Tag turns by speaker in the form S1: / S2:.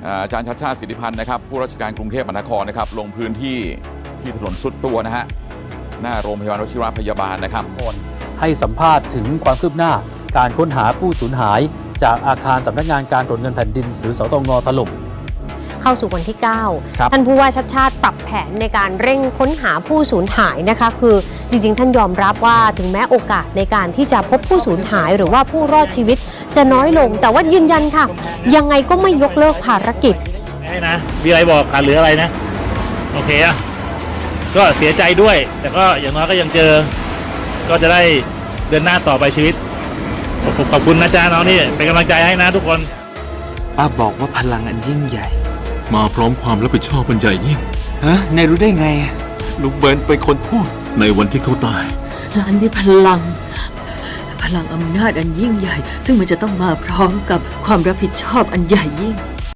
S1: อาจารย์ชัชชาติสิทธิพันธ์นะครับผู้ราชการกรุงเทพมหานครนะครับลงพื้นที่ถนนสุดตัวนะฮะหน้าโรงพยาบาลวชิระพยาบาลนะครับ
S2: ให้สัมภาษณ์ถึงความคืบหน้าการค้นหาผู้สูญหายจากอาคารสำนักงานการตรวจเงินแผ่นดินหรือสตง.ถล่ม
S3: เข้าสู่วันที่ 9 ท่านผู้ว่าชัชชาติปรับแผนในการเร่งค้นหาผู้สูญหายนะคะคือจริงๆท่านยอมรับว่าถึงแม้โอกาสในการที่จะพบผู้สูญหายหรือว่าผู้รอดชีวิตจะน้อยลงแต่ว่ายืนยันค่ะยังไงก็ไม่ยกเลิกภารกิจ
S4: ไม่นะมีอะไรบอกขาดเหลืออะไรนะโอเคอะก็เสียใจด้วยแต่ก็อย่างน้อยก็ยังเจอก็จะได้เดินหน้าต่อไปชีวิตขอบคุณนะจ๊ะน้องนี่เป็นกำลังใจให้นะทุกคน
S5: ป้าบอกว่าพลังอันยิ่งใหญ่
S6: มาพร้อมความรับผิดชอบอันใหญ่ยิ่ง
S5: นายรู้ได้ไง
S6: ลุงเบิร์นเป็นคนพูดในวันที่เขาตาย
S7: หลานมีพลังอำนาจอันยิ่งใหญ่ซึ่งมันจะต้องมาพร้อมกับความรับผิดชอบอันใหญ่ยิ่ง